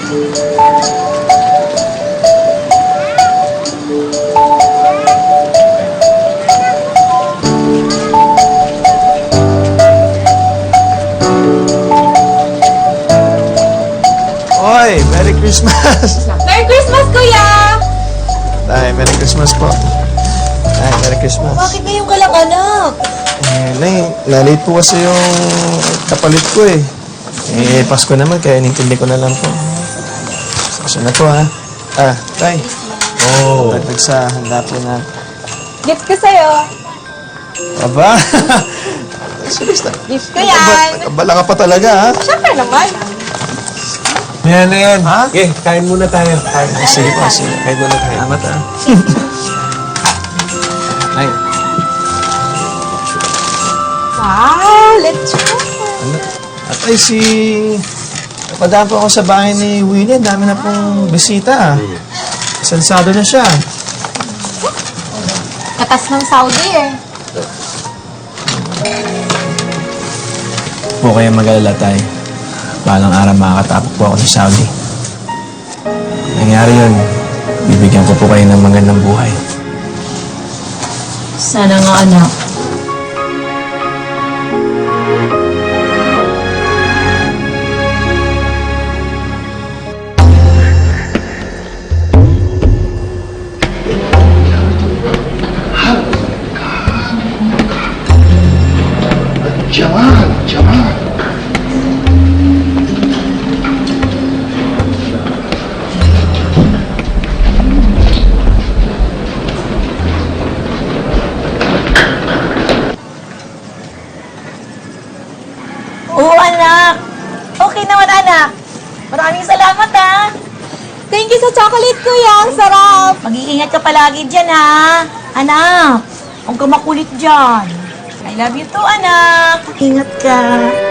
Oy, Merry Christmas! Merry Christmas, Kuya! Tay, Merry Christmas po. Tay, Merry Christmas. Bakit ngayon ka lang, anak? Nay, na-late po kasi yung kapalit ko eh. Pasko naman, kaya inintindi ko na lang po. Pasok na po, ha? Tay. Oh. Dagdag sa handa po na. Gift ko sa'yo. Aba! Seriously. Gift ko yan. Bala ka pa talaga, ha? Siyempre naman. Yan na yan. Ha? Okay, kain muna tayo. Sige po, sige. Kain muna tayo. Salamat, ha? Ay, Wow, let's go. at ay napadaan po ako sa bahay ni Willie. Dami na pong bisita, ah. Sansado na siya. Katas ng Saudi eh. Po kayo mag-alala tayo. Balang araw makakatapok po ako sa Saudi. Nangyari yun, bibigyan ko po kayo ng magandang buhay. Sana nga, anak. جمال جمال Oo, anak. Okay naman, anak. Maraming salamat, ha. Thank you sa chocolate, Kuya. Ang sarap. Mag-iingat ka palagi dyan, ha. Anak, huwag ka makulit dyan. I love you too, anak. Ingat ka.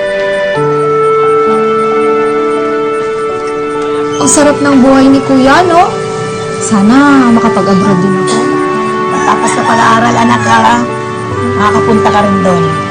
Ang sarap ng buhay ni Kuya, no? Sana makapag-abroad din ako. Tapos na pag-aaral, anak, ha. Makakapunta ka rin doon.